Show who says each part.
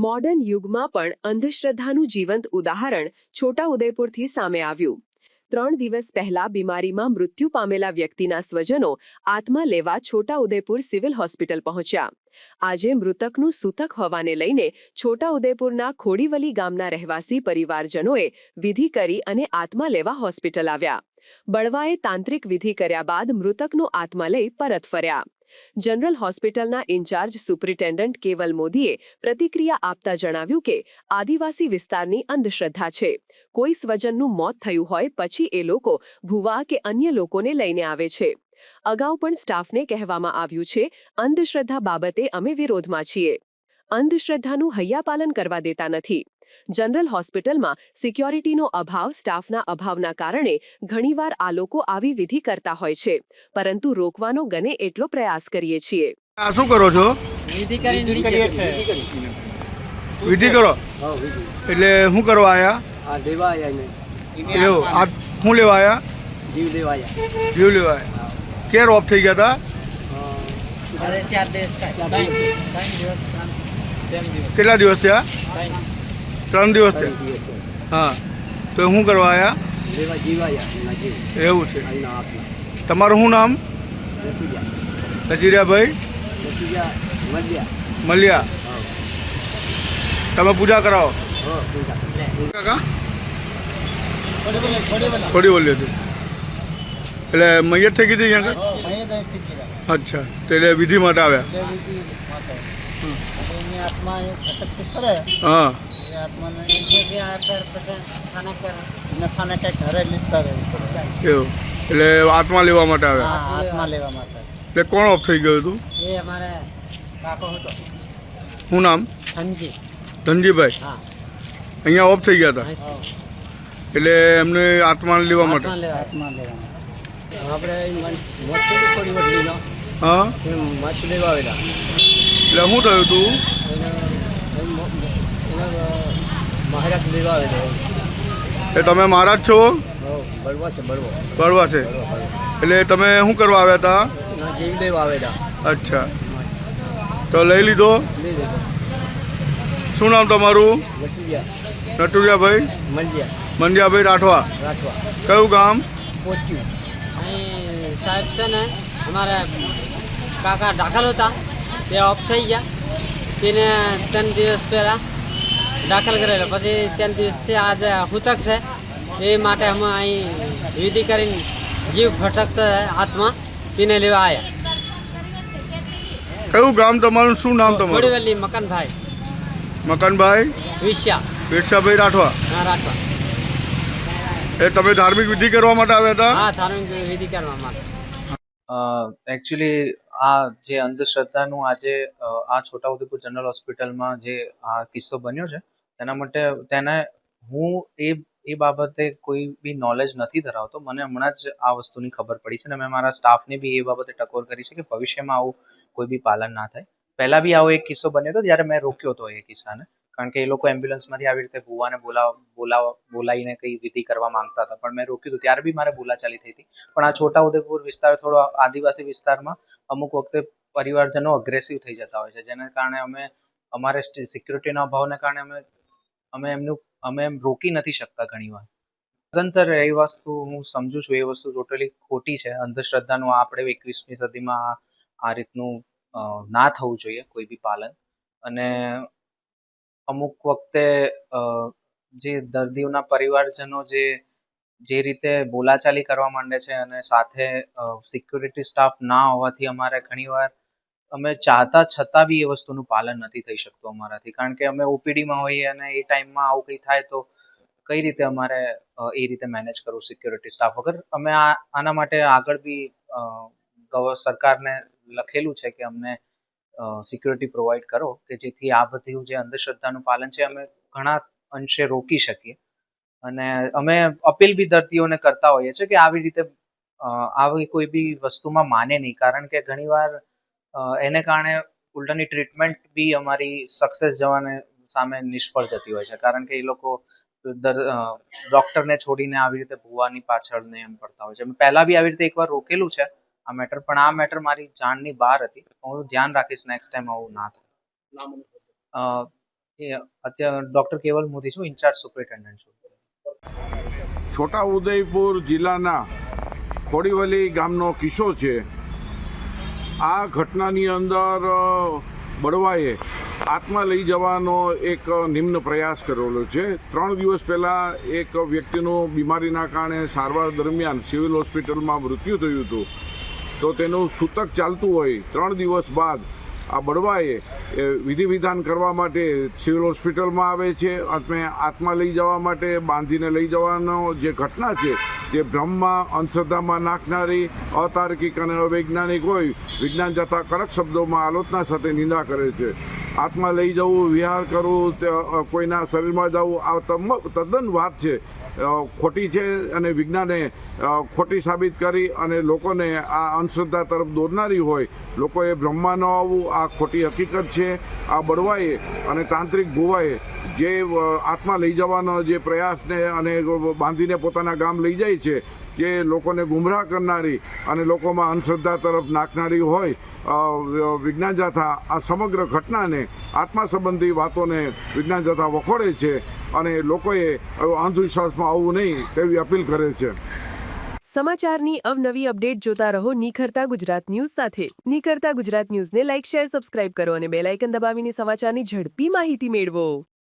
Speaker 1: Modern યુગમાં પણ અંધશ્રદ્ધાનું જીવંત ઉદાહરણ છોટાઉદેપુરથી સામે આવ્યું। 3 દિવસ પહેલા બીમારીમાં મૃત્યુ પામેલા વ્યક્તિના સ્વજનો આત્મા લેવા છોટાઉદેપુર સિવિલ હોસ્પિટલ પહોંચ્યા। આજે મૃતકનું સૂતક હોવાને લઈને છોટાઉદેપુરના ખોડીવલી ગામના રહેવાસી પરિવારજનોએ વિધિ કરી અને આત્મા લેવા હોસ્પિટલ આવ્યા। બળવાએ તાંત્રિક વિધિ કર્યા બાદ મૃતકનો આત્મા લઈ પરત ફર્યા। જનરલ હોસ્પિટલના ઇન્ચાર્જ સુપ્રિન્ટેન્ડન્ટ કેવલ મોદીએ પ્રતિક્રિયા આપતા જણાવ્યું કે આદિવાસી વિસ્તારની અંધશ્રદ્ધા છે। કોઈ સ્વજનનું મોત થયું હોય પછી એ લોકો ભુવા કે અન્ય લોકોને લઈને આવે છે। અગાઉ પણ સ્ટાફને કહેવામાં આવ્યું છે, અંધશ્રદ્ધા બાબતે અમે વિરોધમાં છીએ। અંધશ્રદ્ધાનું હૈયાપાલન કરવા દેતા નથી। જનરલ હોસ્પિટલમાં સિક્યોરિટીનો અભાવ, સ્ટાફના અભાવના કારણે ઘણીવાર આ લોકો આવી વિધિ કરતા હોય છે, પરંતુ રોકવાનો ગને એટલો પ્રયાસ કરીએ છીએ।
Speaker 2: આ શું કરો છો?
Speaker 3: વિધિ કરીએ છે।
Speaker 2: વિધિ કરો?
Speaker 3: હા, વિધિ।
Speaker 2: એટલે શું કરવા આયા?
Speaker 3: આ દેવા આયા ને।
Speaker 2: એવું આ શું લેવા આયા?
Speaker 3: જીવ દેવા આયા।
Speaker 2: જીવ લેવા આયા। ક્યારે ઓફ થઈ ગયા હતા?
Speaker 3: અરે 4 દિવસ થાય।
Speaker 2: કેટલા દિવસ થયા? 3 દિવસ થયા। હા, તો શું કરવા આયા?
Speaker 3: દેવા જીવ આયા જીવ।
Speaker 2: એવું છે।
Speaker 3: આઈના આપી
Speaker 2: તમારું શું નામ? નજીરિયાભાઈ મલિયા। તમે પૂજા કરાવો? કાકા થોડી બોલી હતી એટલે મૈયત થઈ ગઈ હતી અહીંયા? અચ્છા, તો એટલે વિધિ માટે આવ્યા? હા, એવું એટલે આત્મા લેવા માટે આવ્યા? એટલે કોણ ઓફ થઈ ગયું હતું? શું નામ? ધનજીભાઈ। અહીંયા ઓફ થઈ ગયા હતા એટલે એમને આત્મા લેવા માટે? હા, એટલે શું થયું હતું? એ તમે મહારાજ છો? બળવા છે। એટલે તમે શું કરવા આવ્યા હતા? અચ્છા, તો લઈ લીધો? શું નામ તમારું? નટુરિયાભાઈ મંડિયાભાઈ રાઠવા। કયું ગામ?
Speaker 4: સાહેબ છે ને અમારા કાકા દાખલ હતા, તે ઓફ થઈ ગયા। તેને 3 દિવસ પહેલાં દાખલ કરેલા, પછી 3 દિવસથી આજે હૂતક છે એ માટે અમે અહીં વિધિ કરીને જીવ ભટકતા આત્મા તેને લેવા આવ્યા।
Speaker 2: કયું ગામ તમારું? શું નામ તમારું?
Speaker 4: ખોડીવલી મકાનભાઈ
Speaker 2: વિરસાભાઈ રાઠવા।
Speaker 4: હા, રાઠવા।
Speaker 2: એ તમે ધાર્મિક વિધિ કરવા માટે આવ્યા હતા?
Speaker 4: હા, ધાર્મિક વિધિ કરવા માટે।
Speaker 5: એકચ્યુઅલી આ જે અંધશ્રદ્ધાનું આજે આ છોટાઉદેપુર જનરલ હોસ્પિટલમાં જે આ કિસ્સો બન્યો છે તેને હું એ બાબતે કોઈ બી નોલેજ નથી ધરાવતો। મને હમણાં જ આ વસ્તુની ખબર પડી છે અને મેં મારા સ્ટાફને બી એ બાબતે ટકોર કરી છે કે ભવિષ્યમાં આવું કોઈ બી પાલન ના થાય। પહેલા બી આવો એક કિસ્સો બન્યો હતો જ્યારે મેં રોક્યો હતો એ કિસ્સાને, કારણ કે એ લોકો એમ્બ્યુલન્સમાંથી આવી રીતે ભુવાને બોલાવીને કઈ વિધિ કરવા માંગતા હતા, પણ મેં રોક્યું હતું। ત્યારે બી મારે બોલાચાલી થઈ હતી। પણ આ છોટાઉદેપુર વિસ્તાર થોડો આદિવાસી વિસ્તારમાં અમુક વખતે પરિવારજનો અગ્રેસિવ થઈ જતા હોય છે, જેને કારણે અમારે સિક્યુરિટીના અભાવને કારણે અમે એમ રોકી નથી શકતા ઘણીવાર। નિરંતર એ વસ્તુ હું સમજુ છું, એ વસ્તુ ટોટલી ખોટી છે। અંધશ્રદ્ધાનું આપણે 21મી સદીમાં આ રીતનું ના થવું જોઈએ કોઈ બી પાલન। અને અમુક વખતે જે દર્દીઓના પરિવારજનો જે રીતે બોલાચાલી કરવા માંડે છે અને સાથે સિક્યુરિટી સ્ટાફ ના હોવાથી અમારે ઘણીવાર અમે ચાહતા છતાં બી એ વસ્તુનું પાલન નથી થઈ શકતું અમારાથી, કારણ કે અમે ઓપીડીમાં હોઈએ અને એ ટાઈમમાં આવું કંઈ થાય તો કઈ રીતે અમારે એ રીતે મેનેજ કરવું સિક્યુરિટી સ્ટાફ વગર। અમે આના માટે આગળ બી સરકારને લખેલું છે કે અમને સિક્યુરિટી પ્રોવાઈડ કરો, કે જેથી આ બધું જે અંધશ્રદ્ધાનું પાલન છે અમે ઘણા અંશે રોકી શકીએ। અને અમે અપીલ બી દર્દીઓને કરતા હોઈએ છીએ કે આવી રીતે આવી કોઈ બી વસ્તુમાં માને નહીં, કારણ કે ઘણીવાર એને કારણે ઉલટાની ટ્રીટમેન્ટ બી અમારી સક્સેસ જવાને સામે નિષ્ફળ જતી હોય છે, કારણ કે એ લોકો ડોક્ટરને છોડીને આવી રીતે ભુવાની પાછળ ને એમ પડતા હોય છે। પહેલા બી આવી રીતે એકવાર રોકેલું છે આ મેટર, પણ આ મેટર મારી જાણની બહાર હતી। હું ધ્યાન રાખીશ નેક્સ્ટ ટાઈમ આવું ના થાય। એ અત્યારે ડૉક્ટર કેવલ મોદી છું, ઇન્ચાર્જ સુપરિન્ટેન્ડન્ટ છું.
Speaker 6: છોટાઉદેપુર જિલ્લાના ખોડીવલી ગામનો કિસ્સો છે. આ ઘટનાની અંદર બળવાએ આત્મા લઈ જવાનો એક નિમ્ન પ્રયાસ કરેલો છે. 3 દિવસ પહેલાં એક વ્યક્તિનું બીમારીના કારણે સારવાર દરમિયાન સિવિલ હોસ્પિટલમાં મૃત્યુ થયું હતું. તો તેનું સૂતક ચાલતું હોય 3 દિવસ બાદ આ બળવાએ વિધિ વિધાન કરવા માટે સિવિલ હોસ્પિટલમાં આવે છે. અને આત્મા લઈ જવા માટે બાંધીને લઈ જવાનો જે ઘટના છે તે ભ્રમમાં અંધશ્રદ્ધામાં નાખનારી, અતાર્કિક અને અવૈજ્ઞાનિક હોય, વિજ્ઞાન જતા કડક શબ્દોમાં આલોચના સાથે નિંદા કરે છે. આત્મા લઈ જવું, વિહાર કરવું, કોઈના શરીરમાં જવું, આ તદ્દન વાત છે ખોટી છે અને વિજ્ઞાને ખોટી સાબિત કરી અને લોકોને આ અંધશ્રદ્ધા તરફ દોરનારી હોય. લોકોએ બ્રહ્મમાં ન આવવું આ ખોટી હકીકત છે. આ બળવાએ અને તાંત્રિક ભુવાએ જે આત્મા લઈ જવાનો જે પ્રયાસને અને બાંધીને પોતાના ગામ લઈ જાય છે કે લોકોને ગુમરાહ કરનારી અને લોકોમાં અંધશ્રદ્ધા તરફ નાખનારી હોય વિજ્ઞાન જાથા આ સમગ્ર ઘટનાને, આત્મા સંબંધી વાતોને વિજ્ઞાન જાથા વખોડે છે અને લોકોએ અંધવિશ્વાસમાં આવવું નહીં તેવી અપીલ કરે છે.
Speaker 1: સમાચારની અવનવી અપડેટ જોતા રહો નિખરતા ગુજરાત ન્યૂઝ સાથે. નિખરતા ગુજરાત ન્યૂઝને લાઇક, શેર, સબસ્ક્રાઇબ કરો અને બેલ આઇકન દબાવીને સમાચારની ઝડપી માહિતી મેળવો.